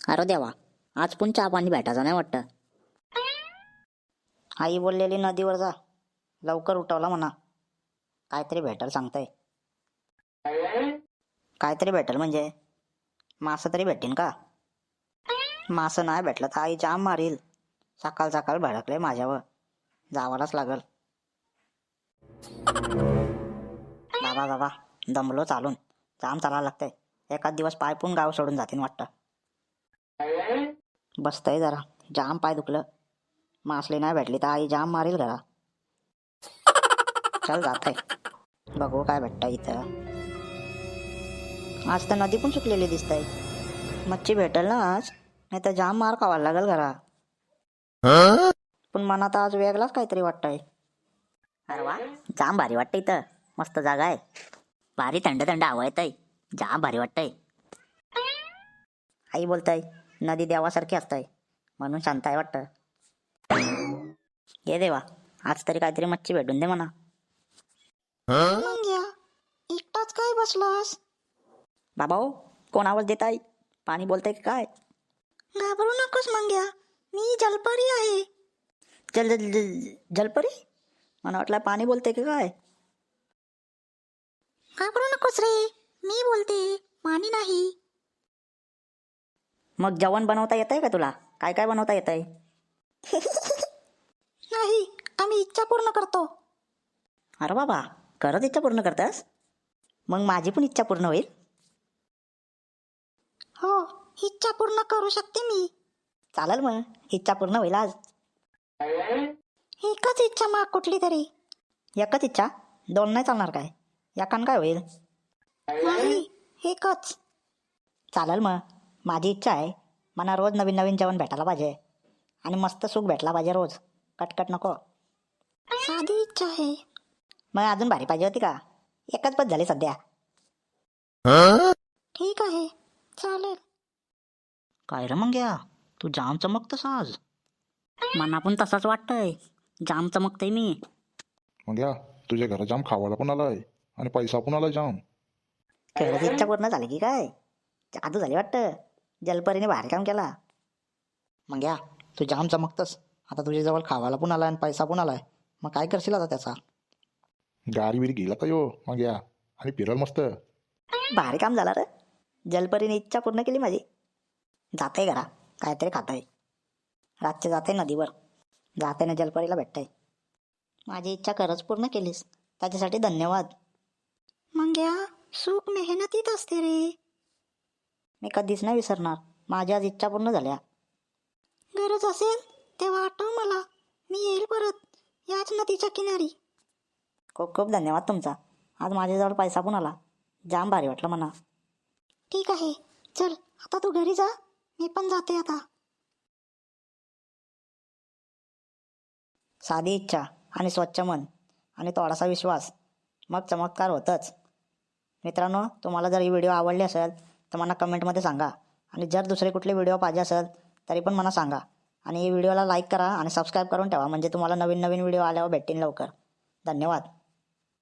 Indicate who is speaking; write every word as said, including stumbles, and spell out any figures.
Speaker 1: अरे देवा, आज पण चहा पाणी भेटायचं नाही वाटतं. आई बोललेली नदीवर जा, लवकर उठवला म्हणा. काहीतरी भेटल सांगताय. काहीतरी भेटल म्हणजे मासं तरी भेटेन का? मासं नाही भेटलं तर आई जाम मारील. सकाळ सकाळ भडकले माझ्यावर, जावालाच लागल. बाबा बाबा, दमलो चालून. जाम चालायला लागतंय. एखाद दिवस पाय पण गाव सोडून जातीन वाटतं. बसतंय जरा, जाम पाय दुखलं. मासली नाही भेटली तर आई जाम मारील घरा. चल जात आहे, बघू काय भेटतं इथं. आज तर नदी पण सुकलेली दिसतंय. मच्छी भेटेल ना आज, नाही तर जाम मार खावायला लागल घरा. पण मनात आज वेगळाच काहीतरी वाटतंय. अरे वा, जाम भारी वाटतं इथं. मस्त जागा आहे. भारी थंड थंड हवा येतंय. जाम भारी वाटतंय. आई बोलताय नदी देवासारखी असताय, म्हणून शांत आहे वाटतं. ये देवा, आज तरी काहीतरी मच्छी भेटून दे म्हणा.
Speaker 2: मंग्या, एकटाच काय बसलास?
Speaker 1: बाबा हो, कोण आवाज देत आहे? पाणी बोलतंय की काय?
Speaker 2: घाबरू नकोस मंग्या, मी जलपरी आहे.
Speaker 1: जल जल जल जलपरी? मला वाटलं पाणी बोलतंय की काय.
Speaker 2: घाबरू नकोस रे, मी बोलते, पाणी नाही.
Speaker 1: मग जेवण बनवता येतंय का तुला? काय काय बनवता येतंय?
Speaker 2: नाही, आम्ही इच्छा पूर्ण करतो.
Speaker 1: अरे बाबा, खरंच इच्छा पूर्ण करतास? मग माझी पण इच्छा पूर्ण होईल.
Speaker 2: हो, इच्छा पूर्ण करू शकते मी.
Speaker 1: चालेल मग, इच्छा पूर्ण होईल आज.
Speaker 2: एकच इच्छा माग कुठली तरी.
Speaker 1: एकच इच्छा? दोन नाही चालणार काय? एकान काय होईल?
Speaker 2: नाही, एकच.
Speaker 1: चालेल मग, माझी इच्छा आहे. मला रोज नवीन नवीन जेवण भेटायला पाहिजे. आणि मस्त सुख भेटला पाहिजे रोज. कटकट नको.
Speaker 2: साधी इच्छा आहे.
Speaker 1: मग अजून भारी पाहिजे होती का? एकच बस झाली सध्या.
Speaker 2: ठीक आहे, चालेल.
Speaker 1: काय रे मग या, तू जाम चमकतस आज. मना पण तसाच वाटतंय, जाम चमकतय मी.
Speaker 3: मग या तुझ्या घरा जाम खावायला पण आलाय आणि पैसा पण आलाय जाम.
Speaker 1: खरंच इच्छा पूर्ण झाली की काय? जादू झाली वाटतं. जलपरीने भारी काम केला. मग या, तू जाम चमकतस. आता तुझ्या जवळ खावायला पण आलाय आणि पैसा पण आलाय. मग काय करशील आता त्याचा?
Speaker 3: गाडी बिरी गेला का यो मग या, आणि फिरल मस्त.
Speaker 1: भारी काम झालं रे. जलपरीने इच्छा पूर्ण केली माझी. जाते घरा, काहीतरी खाताय. रातचे जाते नदीवर, जाते ना जलपरीला भेटताय. माझी इच्छा खरंच पूर्ण केलीस, त्याच्यासाठी धन्यवाद.
Speaker 2: मंग्या, सुख मेहनतीत असते रे.
Speaker 1: मी कधीच नाही विसरणार. माझ्या आज इच्छा पूर्ण झाल्या.
Speaker 2: गरज असेल तेव्हा आठव मला, मी येईल परत याच नदीच्या किनारी.
Speaker 1: खूप खूप धन्यवाद तुमचा. आज माझ्याजवळ पैसा पण आला. जाम भारी वाटलं म्हणा.
Speaker 2: ठीक आहे, चल आता तू घरी जा, मी पण जाते आता.
Speaker 1: साधी इच्छा आणि स्वच्छ मन आणि थोडासा विश्वास, मग चमत्कार होतच. मित्रांनो, तुम्हाला जर ही व्हिडिओ आवडली असेल तर मला कमेंटमध्ये सांगा. आणि जर दुसरे कुठले व्हिडिओ पाहिजे असेल तरी पण मला सांगा. आणि ही व्हिडिओला लाईक करा आणि सबस्क्राईब करून ठेवा, म्हणजे तुम्हाला नवीन नवीन व्हिडिओ आल्यावर भेटतील लवकर. धन्यवाद.